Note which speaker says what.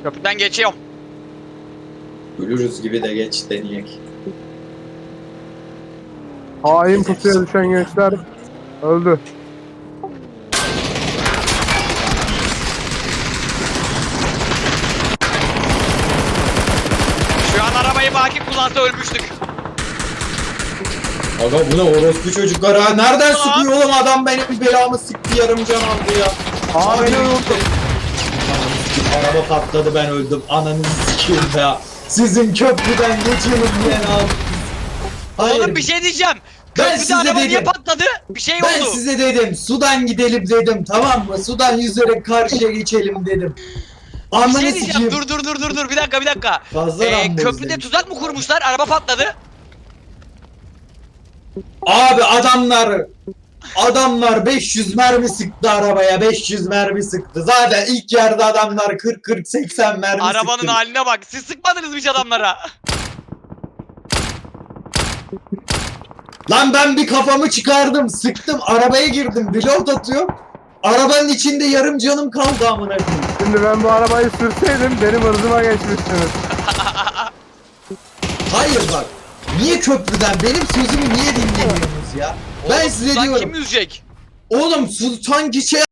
Speaker 1: Köprüden geçiyorum.
Speaker 2: Ölürüz gibi de geç deneyek.
Speaker 3: Hain pusuya düşen gençler öldü.
Speaker 1: Şu an arabayı Baki kullansa ölmüştük.
Speaker 2: Aga bu ne orospu çocuklar ha? Nereden sıkıyor oğlum adam benim belamı sıktı yarım can aldı ya.
Speaker 3: Aa beni unuttum.
Speaker 2: Araba patladı ben öldüm. Ananı sikeyim ya. Sizin köprüden geçelim diye ne yaptınız? Hayır.
Speaker 1: Oğlum bir şey diyeceğim.
Speaker 2: Ben
Speaker 1: Köprüde
Speaker 2: size
Speaker 1: araba niye
Speaker 2: dedim.
Speaker 1: patladı? Bir şey
Speaker 2: Ben
Speaker 1: oldu.
Speaker 2: size dedim sudan gidelim dedim tamam mı? Sudan yüzerek karşıya geçelim dedim.
Speaker 1: Bir
Speaker 2: Ananı
Speaker 1: şey diyeceğim.
Speaker 2: sikeyim.
Speaker 1: Dur. Bir dakika.
Speaker 2: Fazla Rambo
Speaker 1: Köprüde
Speaker 2: izlemiş.
Speaker 1: tuzak mı kurmuşlar? Araba patladı.
Speaker 2: Abi adamlar 500 mermi sıktı arabaya 500 mermi sıktı. Zaten ilk yerde adamlar 40-80 mermi
Speaker 1: Arabanın
Speaker 2: sıktı.
Speaker 1: haline bak. Siz sıkmadınız mı hiç adamlara?
Speaker 2: Lan ben bir kafamı çıkardım sıktım arabaya girdim pilot atıyor. Arabanın içinde yarım canım kaldı amına koyayım.
Speaker 3: Şimdi ben bu arabayı sürseydim benim hırzıma geçmişsiniz.
Speaker 2: Hayır bak. Niye köprüden benim sözümü niye dinlemiyorsunuz ya? Ben
Speaker 1: Oğlum,
Speaker 2: size
Speaker 1: tuzak
Speaker 2: diyorum.
Speaker 1: kim yüzecek?
Speaker 2: Oğlum su sanki şey